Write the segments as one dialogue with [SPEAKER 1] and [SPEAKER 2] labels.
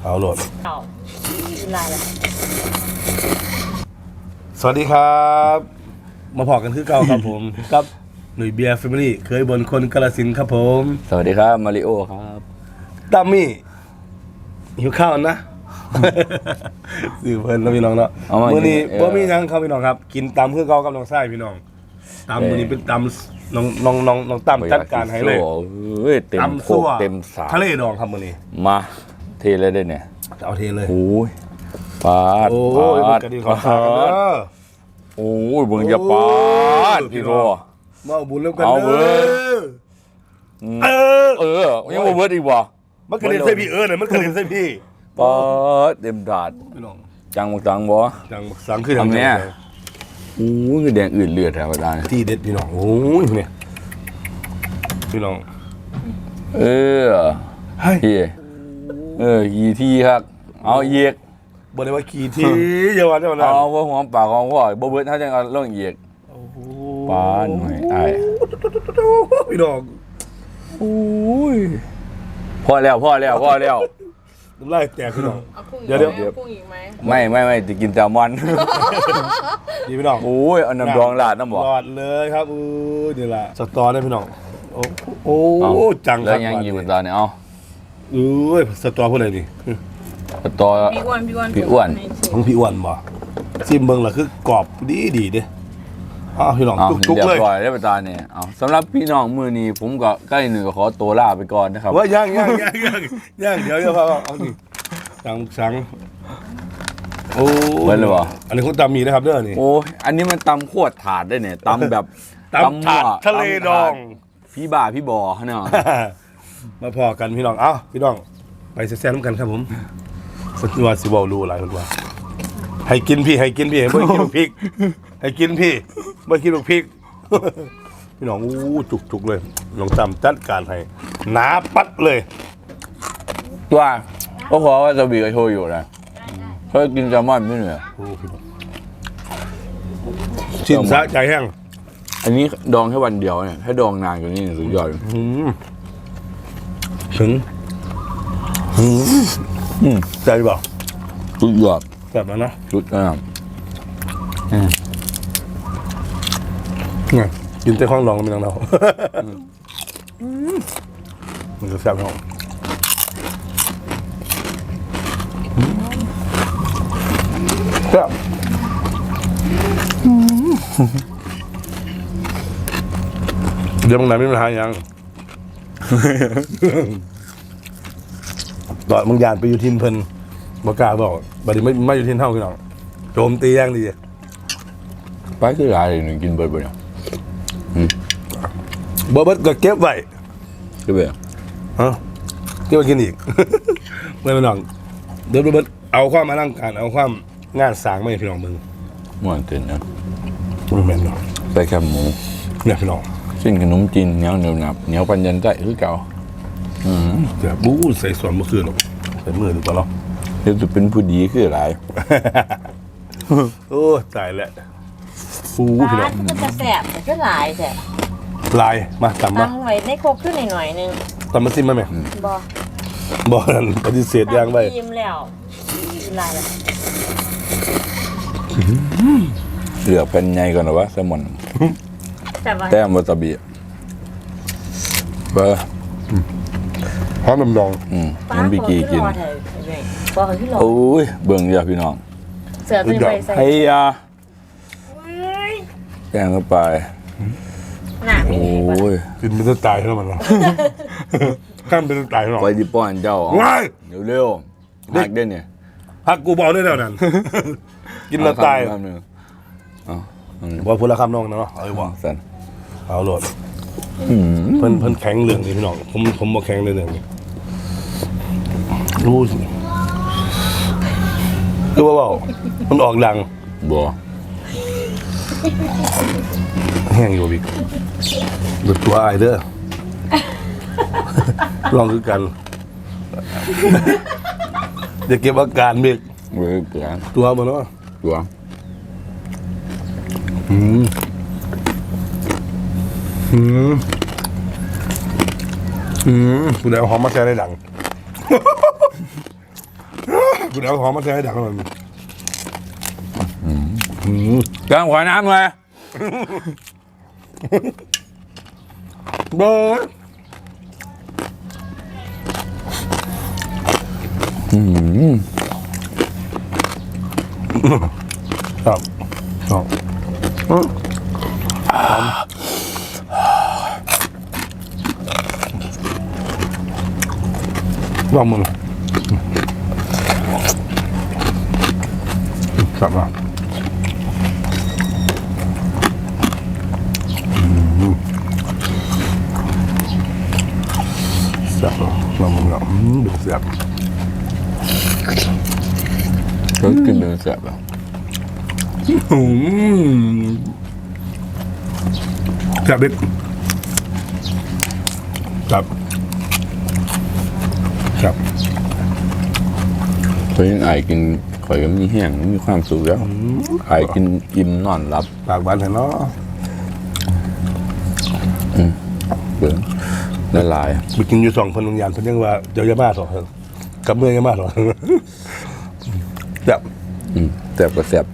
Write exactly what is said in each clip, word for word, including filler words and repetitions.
[SPEAKER 1] เอาโหลด
[SPEAKER 2] เอาลายละ
[SPEAKER 1] สวัสดีครับมาพอกันคือเก่าครับผมกับหนุ่ยเบียร์แฟมิลี่เคยบนคนกาฬสินธุ์ครับผม
[SPEAKER 3] สวัสดีครับมาริโอครับ
[SPEAKER 1] ตั้มมี่หิวข้าวนะสื่อเพลินแล้วพี่น้องเนาะมื้อนี้บ่มีหยังครับพี่น้องครับกินตำคือเก่ากับน้องชายพี่น้องตำมื้อนี้เป็นตำน้องน้องน้องน้องตั้มจัดการให้เลย
[SPEAKER 3] เฮ้ยเต็มโคกเต็มสา
[SPEAKER 1] ทะเลดองครับมื้อนี้
[SPEAKER 3] มาเทเลยได้เนี่ย
[SPEAKER 1] เอาเทเลย
[SPEAKER 3] โอ้ยปาด
[SPEAKER 1] โอ้ยกระดิ่งขอทานเด้อ
[SPEAKER 3] โอ้ยเบิ่งอย่าปาดพี่โร
[SPEAKER 1] มาเอาบุญเริ่มกันเด้อเออ
[SPEAKER 3] เออยังบ่เบิดอีกบ่
[SPEAKER 1] มันกระเด็นใส่พี่เออน่ะมันกระเด็นใส่พี่
[SPEAKER 3] ปาดเต็มถาด
[SPEAKER 1] พี่น้อง
[SPEAKER 3] จังบ่จังบ่
[SPEAKER 1] จังสังคือทำ
[SPEAKER 3] เนี่ยโอ้ยแดงอื่นเลือดแถวได้
[SPEAKER 1] ที่เด็ดพี่น้องโอ้ยเนี่ยพี่น้อง
[SPEAKER 3] เออเฮ้ยเออกี่ที่ครับเอาเยียก
[SPEAKER 1] บ่ได้ว่ากี่ที่อย่าว่าจังนั้น
[SPEAKER 3] เอาบ่หอมปากหอมคอบ่เบิดเฮาจังเอาลงเยียกโอ้โหปานหน่อยอ้าย
[SPEAKER 1] พี่น้อง
[SPEAKER 3] โอ้ยพอแล้วพอแล้วพอแล้ว
[SPEAKER 1] น้ำลายแตกพี่น้อง
[SPEAKER 2] เดี๋ยวเดี๋ยวกุ้งอีกไหม
[SPEAKER 3] ไม่ไม่ไม่จะกินแซลมอน
[SPEAKER 1] ดีพี่น้อง
[SPEAKER 3] โอ้ยเอาน้ำดองราดน้ำบ่
[SPEAKER 1] รอดเลยครับอู้นี่ล่ะสตอได้พี่น้องโอ้โอ้จังครับ
[SPEAKER 3] แล้วยังอยู่ตอนนี้เอา
[SPEAKER 1] เอ้ยสตอผู้ใดนี่
[SPEAKER 3] สตอ
[SPEAKER 2] พี่อ้วนพี่อ้วน
[SPEAKER 3] พี่อ้วน
[SPEAKER 1] ของพี่อ้วนบ่ซิมเบิ่งล่ะคือกรอบดีดีเด้อ้าวพี่น้องจุกๆเลย
[SPEAKER 3] เรียบร้อยแล้วตอนนี้เอาสำหรับพี่น้องมื้อนี้ผมก็ใกล้หนึ่งก็ขอตัวลาไปก่อนนะครับ
[SPEAKER 1] ว่าย่างย่างย่างย่างย่างเดี๋ยวเดี๋ยวพ่อเอานี่สังสังโอ้
[SPEAKER 3] เบิ่งเลยบ่
[SPEAKER 1] อันนี้คุณตำมีนะครับเด้อนี่
[SPEAKER 3] โอ้ยอันนี้มันตำโคตรถาดได้เนี่ยตำแบบ
[SPEAKER 1] ตำถาดทะเลดอง
[SPEAKER 3] พี่บ่าพี่บ่อเนาะ
[SPEAKER 1] มาพอกันพี่น้องเอ้าพี่น้องไปแซ่บๆน้ำกันครับผมสักวันสิบอลรู้หลายคนว่าให้กินพี่ให้กินพี่ไม่กินพริกให้กินพี่ไม่กินพริกพี่น้องอู้จุกๆเลยน้องจำจัดการให้หนาปัดเลย
[SPEAKER 3] ตัวก็ขอว่าจะบีกับโชอยู่นะเพื่อกินแซลมอนไม่เหนื่อย
[SPEAKER 1] ชิมซะใจแห้ง
[SPEAKER 3] อันนี้ดองแค่วันเดียวเนี่ยถ้าดองนานกว่านี้สุดยอด
[SPEAKER 1] ถึงใจเปล่า
[SPEAKER 3] สุดยอด
[SPEAKER 1] แบบนั้นนะ
[SPEAKER 3] สุดอ่ะ
[SPEAKER 1] เนี่ยกินแต่ข้องรองก็ไม่ต้องเรามันจะแซ่บท้องแซ่บเดี๋ยวมึงไหนไม่มาหายังตอนมึงยานไปอยู่ทินเพิ่นบอกกล้าบอกบัดนี้ไม่ไม่อยู่ทินเท่ากันหรอกโจมตีย่างดี
[SPEAKER 3] ไปคืออะไรหนึ่งกินเบิร์ดไปเนี่ย
[SPEAKER 1] เบิร์ดก็เก็บไว้
[SPEAKER 3] เก็บไว้
[SPEAKER 1] ฮะเก็บไว้กินอีกไม่เป็นหรอกเบิร์ดเบิร์ดเอาความมานั่งการเอาความงานสางไม่พี่น้องมึง
[SPEAKER 3] ม่วนตื่นนะ
[SPEAKER 1] มึงแม่นเนาะ
[SPEAKER 3] ใส่แคบหมู
[SPEAKER 1] เนี่ยพี่น้อง
[SPEAKER 3] เส้นขนมจีนเหนียวเหนียวหนับเหนียวปันยันใจคือเก่า
[SPEAKER 1] เดี๋ยวบู๊ใส่ส่วนเมื่อคืนหรอกใส่มือดูก่อนเนาะ
[SPEAKER 3] เดี๋ยวจะเป็นผู้ดีคืออะไร
[SPEAKER 1] โอ้ตายแล้วฟูพี่น้อง
[SPEAKER 2] มันจะแสบแต่ก็ลายแสบ
[SPEAKER 1] ลายมาตำมา
[SPEAKER 2] ตำไว้ในโคกขึ้นหน่อยนึง
[SPEAKER 1] ตำมาซิมมาไหม
[SPEAKER 2] บอบ
[SPEAKER 1] อนั่นปฏิเสธย่างไป
[SPEAKER 2] ยิ้มแล้วลายแล้ว
[SPEAKER 3] เหลือเป็นไงก่อนหรอวะแซลมอนแต้มวาซาบิเบอร์
[SPEAKER 1] หอมดอง
[SPEAKER 3] อืมน้ำบิกีกินโอ้ยเบิ่งเยอะพี่น้อง
[SPEAKER 2] เสือตัวไปใส่
[SPEAKER 3] ไอ้ยาแกงเข้าไปโอ้ย
[SPEAKER 1] กินเป็นตายแล้วมันหรอข้ามเป็นตายหรอ
[SPEAKER 3] ไปดิป้อนเจ้าเร็วเร็วหักได้เนี่ย
[SPEAKER 1] หักกูบอกได้แล้วนั่นกินแล้วตายว่าพูดละคำน้องนะเนาะเอาไว้บอก
[SPEAKER 3] สัน
[SPEAKER 1] เอาโหลดเพิ่นเพิ่นแข็งเรื่องนี้พี่น้องผมผมบอกแข็งในเรื่องนี้รู้สิคือว่าเบามันออกดัง
[SPEAKER 3] บัว
[SPEAKER 1] แห้งอยู่บิ๊กหลุดตัวไอเด้อลองคือกันจะเก็บอาการบิ๊ก
[SPEAKER 3] เว้ยเปลี่ยน
[SPEAKER 1] ตัวมันเนาะ
[SPEAKER 3] ตัว
[SPEAKER 1] อืมอืมอืมคุณได้เอาหอมมาแช่ได้ดังกูเอาหอมมาใส่ให้ดังหน่อย
[SPEAKER 3] กลางขวาน้ำเลย
[SPEAKER 1] เบิร์ด
[SPEAKER 3] อืม
[SPEAKER 1] ครับครับลองมึงกลับมาเสียบลองมึงอ่ะดูเสียบ
[SPEAKER 3] ก็กินเนื้อแซ่บอ่ะ
[SPEAKER 1] อืมจับเด็ดจับจับ
[SPEAKER 3] เคยยังไอกินข่อยก็มีแห้งมีความสุขแล้วไอกินอิ่มนอนรับ
[SPEAKER 1] ปากบานเห็นเนาะ
[SPEAKER 3] เบื่อละลาย
[SPEAKER 1] ไปกินอยู่สองคนโรงยานเพิ่นยังว่าเจ้ายามาสองคนกับเมื่อยามาสองคนจับ
[SPEAKER 3] อืมแซ่บก็แซ่บ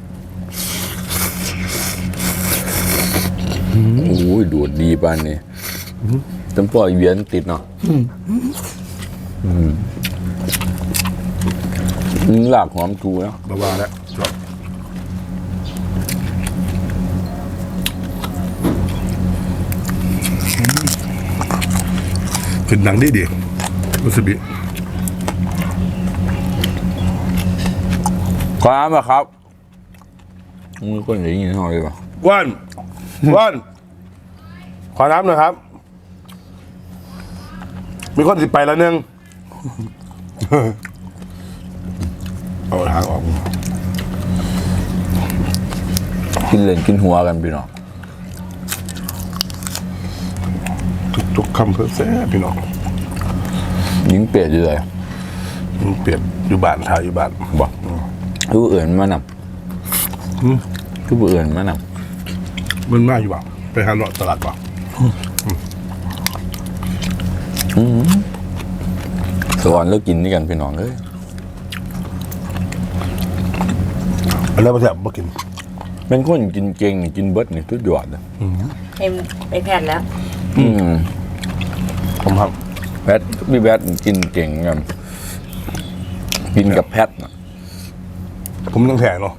[SPEAKER 3] โอ้ยดูดดีปานนี่จำปล่อยเวียนติดเนาะอืมหลากหอมจูแล้ว
[SPEAKER 1] บาวาแล้วจับเป็นหนังดีดีรู้สึกดี
[SPEAKER 3] ครับอะครับมึงคนอย่างนี้หน่อยดีกว่า
[SPEAKER 1] ว่านว่านขอน้ำหน่อยครับ มีคนสิไปแล้วนึง เอาทางออก
[SPEAKER 3] กินเล่นกินหัวกันพี่น้อง
[SPEAKER 1] ทุกๆคำเพื่อแซ่บพี่น้อง
[SPEAKER 3] ยิงเปียดอยู่เลย
[SPEAKER 1] มันเปลี่ยนอยู่บ้านถ่ายอยู่บ้าน
[SPEAKER 3] บอกคือผู้อื่นมาน
[SPEAKER 1] อืม
[SPEAKER 3] ำคือผู้อื่นมาน
[SPEAKER 1] มันมากอยู่บ้านไปหาเลาะตลาดบ้าน
[SPEAKER 3] ำสวรรค์แล้วกินนี่กันพี่น้องเอ้ย
[SPEAKER 1] อันนั้นมาแซ่บมากิน
[SPEAKER 3] เป็นคนกินเก่งกินเบิดนี่ทุกยอดเลย
[SPEAKER 2] เอ็มไปแพทย์แล้ว
[SPEAKER 3] อืม
[SPEAKER 1] ผมครับ
[SPEAKER 3] แพทพี่แพทกินเก่งกันกินกับแพทน่ะ
[SPEAKER 1] ผมต้องแข่งเนาะ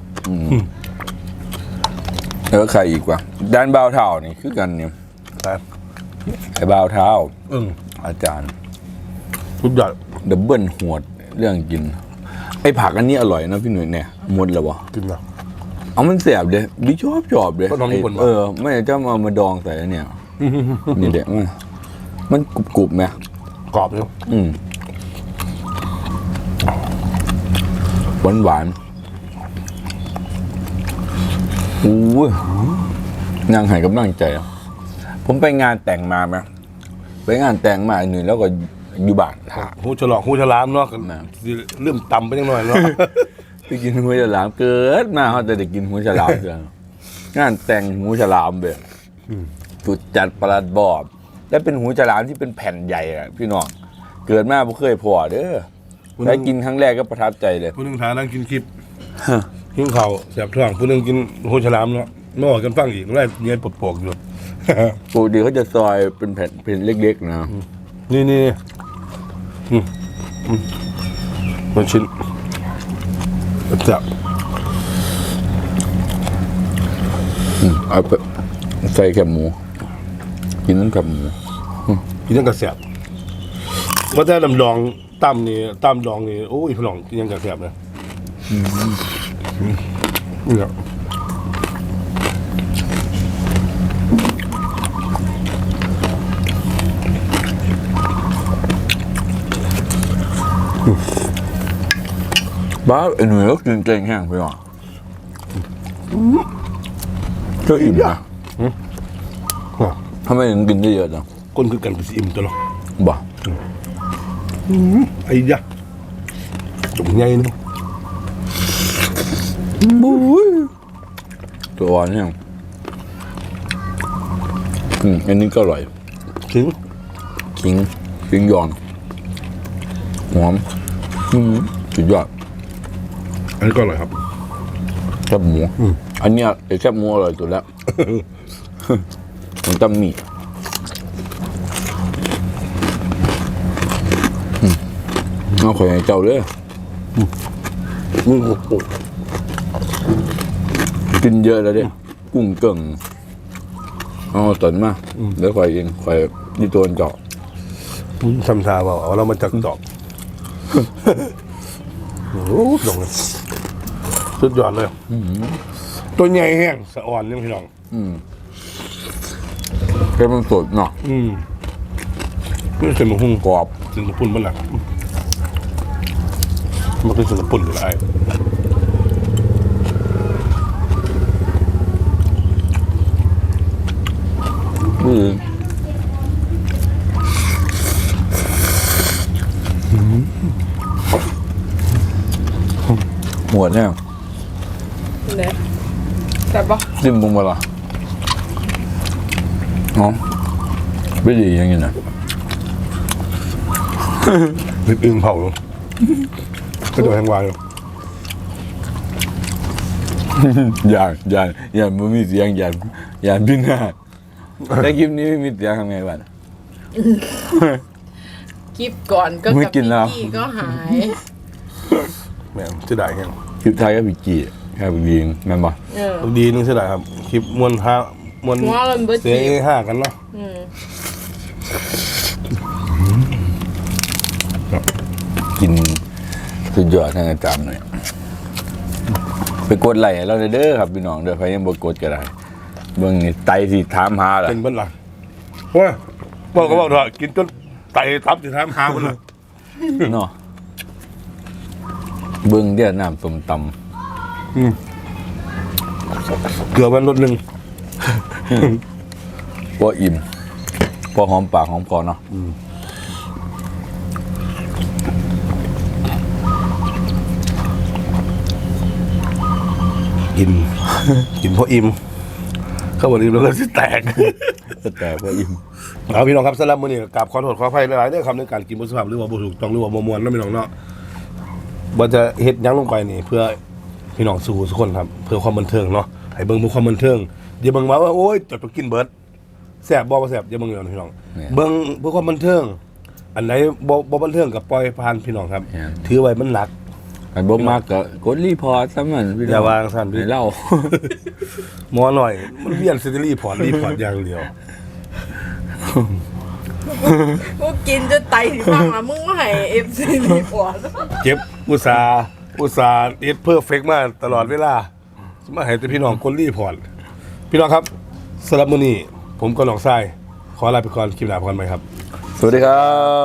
[SPEAKER 3] แล้วใครอีกวะด้านบ่าวเท้านี่คือกันเนี่ย
[SPEAKER 1] ครับ
[SPEAKER 3] ไอ้บ่าวเท้า
[SPEAKER 1] อืม
[SPEAKER 3] อาจารย์
[SPEAKER 1] ทุกอย่าง
[SPEAKER 3] ดับเบิลหวดเรื่องกิน ไอ้ผักอันนี้อร่อยนะพี่หนุ่ยเนี่ยหมดแล้ววะ
[SPEAKER 1] กินนะ
[SPEAKER 3] เอามันแสบเลยดิชอบชอบเลย
[SPEAKER 1] ก็น้องญี่ปุ่นปะ
[SPEAKER 3] เออไม่จะเอามาดองใส่แล้วเนี่ยนี่เด็กมันมันกรุบกรุบๆไหม
[SPEAKER 1] กรอบอยู่
[SPEAKER 3] อืมหวานหวานๆอู้ยนางใหายกำลังใจอะผมไปงานแต่งมาไหมไปงานแต่งมาหนึ่งแล้วก็อยู่บ้านหา
[SPEAKER 1] หูฉลอกหูฉลามเนาะ
[SPEAKER 3] นะ
[SPEAKER 1] เริ่มต่ำไปยังหน่อยเนาะ
[SPEAKER 3] ไปกินหูฉลามเกิดมาเขาจะได้กินหูฉลามเกินงานแต่งหูฉลามแบบจุดจัดประหลัดบอบและเป็นหูฉลามที่เป็นแผ่นใหญ่อะพี่น้องเกิดมาไม่เคยพอเด้อได้กินครั้งแรกก็ประทับใจเลย
[SPEAKER 1] ผู้หนึงทานนั่งกินคลิปหิ้งเข่าวแสบท้องผู้หนึงกินหูฉลามเนาะไม่ออกกันฟังอีกไล่เงี้ยปวดๆอยู่
[SPEAKER 3] ปกติเขาจะซอยเป็นแผ่นเป็นเล็กๆนะ
[SPEAKER 1] นี่นี่อืมอืมมันชิ้นจับ
[SPEAKER 3] อืมเอาไปใส่แคบหมูกินน้ำแคบหมู
[SPEAKER 1] กินยังกระแสบว่าแต่ลำลองตั้มนี่ตั้มลองนี่โอ้ยพลองกินยังกระแสบเลยเนี่ย
[SPEAKER 3] บ้าไอ้หนุ่ยก็กินเก่งแห้งไปหรอก็อิ่มนะทำไมถึงกินได้เยอะจัง
[SPEAKER 1] คนคือกันกับสิอิ่มตัวเนาะ
[SPEAKER 3] บ่
[SPEAKER 1] ไอ้ยะจุ่มใหญ่เนาะ
[SPEAKER 3] บุ้ยตัวอ่อนเนี่ยอืมอันนี้ก็อร่อย
[SPEAKER 1] ถึง
[SPEAKER 3] ขิงขิงยอนหอมอืมสุดยอด
[SPEAKER 1] อันนี้ก็อร่อยครับ
[SPEAKER 3] แคบหมูอันเนี้ยไอ้แคบหมูอร่อยสุดแล้ว มันต้องมีอืมเอาข่อยให้เจ้าเลยอืมกินเยอะแล้วเด้กุ้งเก่งเอาตนมาเดี๋ยวข่อยเองข่อยนี่ตัวเจาะ
[SPEAKER 1] ทำทาเปล่าเอาเรามาจากดอกโอ้โหดอกเลยสุดยอดเลยตัวใหญ่แห้งสะอ่อนเนี่ยพี่น้อง
[SPEAKER 3] อืมเป็นมันสดเนาะ
[SPEAKER 1] อืมนี่เป็นหมูหุ้ง
[SPEAKER 3] กรอบ
[SPEAKER 1] สินปุ่นบ้านหลังมันเป็นสินปุ่นหรืออะไร
[SPEAKER 3] อืมหมวดเนี่ย
[SPEAKER 2] เนี่ยแต่ปะ
[SPEAKER 3] จิ้มบุ้งมาละอ๋อไม่ดีอย่างนี้นะ
[SPEAKER 1] ริบอึ่งเผาอยู่ก็โดนแทงวายอยู่
[SPEAKER 3] อย่าอย่าอย่าไม่มีเสียงอย่าอย่าพินาศแต่คลิปนี้ไม่มีเสียงทำไงบ้าง
[SPEAKER 2] คลิปก่อนก็
[SPEAKER 3] ไม่
[SPEAKER 2] กับ
[SPEAKER 3] กินแล้ว
[SPEAKER 2] พี่ก็หาย
[SPEAKER 1] แม่งจะได้แห้ง
[SPEAKER 3] คลิปไทยก็พิจีแค่พิจีแม่นบ่
[SPEAKER 2] เออ
[SPEAKER 1] ดีนึงเสียดายครับคลิปมวนห้ามวน
[SPEAKER 2] หัวมันเบิด
[SPEAKER 1] เสีย
[SPEAKER 2] จีบ
[SPEAKER 1] ห้ากันเนาะ
[SPEAKER 2] อืม
[SPEAKER 3] กินสุดยอดทางอาจารย์หน่อยไปกดไลค์ให้เราเด้อครับพี่น้องเด้อใครยังบ่กดก็ได้เบิ่งนี่ไตสิถามหาล่ะ
[SPEAKER 1] เป็นบ้านหลังว้าบอกก็บอกเถอะกินจนไตทับจะทำหาคนเลย
[SPEAKER 3] เนาะเบิ่งเดี๋ยวน้ำส้มตำ
[SPEAKER 1] เกลือมันลดหนึ่ง
[SPEAKER 3] พออิ่มพอหอมปากหอมคอเนาะ
[SPEAKER 1] กิน กินเพราะอิ่มเข้าวันอิ่มแล้วก็สิแตก
[SPEAKER 3] แต่พออิ่ม
[SPEAKER 1] เอาพี่น้องครับสำหรับมื้อนี้กราบขอโทษขออภัยหลายๆเรื่องคำในการกินบนสภาพหรือว่าบ่ถูกต้องหรือว่าบ่ม่วนเนาะพี่น้องเนาะบ่จะเฮ็ดหยังลงไปนี่ เพื่อพี่น้องสู่ทุกคนครับ เพื่อความบันเทิงเนาะให้เบิ่งเพื่อความบันเทิงอย่าเบิ่งว่าโอ๊ยจดไปกินเบิดแซ่บบ่บ่แซ่บอย่าเบิ่งเลยพี่น้องเบิ่งเพื่อความบันเทิง อันไหนบ่บ่บันเทิงก็ปล่อยผ่านพี่น้องครับ ถือไว้มันหลัก
[SPEAKER 3] ไอ้บ่มากก็กดรีพอร์ตซะมันพี่น้อง
[SPEAKER 1] อย่าวางสั่นพี่
[SPEAKER 3] ให้เล่า
[SPEAKER 1] หมอหน่อย มันเวียนซิติลี่พอร์ตรีพอร์ตอย่างเดียว
[SPEAKER 2] กูกินจะไตถึงบ้างละมึงว่าให้เอฟซีรีพอร์ต
[SPEAKER 1] เจ็บอุตสาห์อุตสาห์เอ็ดเพื่อเฟกมาตลอดเวลามาให้แต่พี่น้องคนรีพอร์ตพี่น้องครับสำหรับมื้อนี้ผมก็น้องทรายขอลาไปก่อนคลิปหน้าพบกันใหม่ครับ
[SPEAKER 3] สวัสดีครับ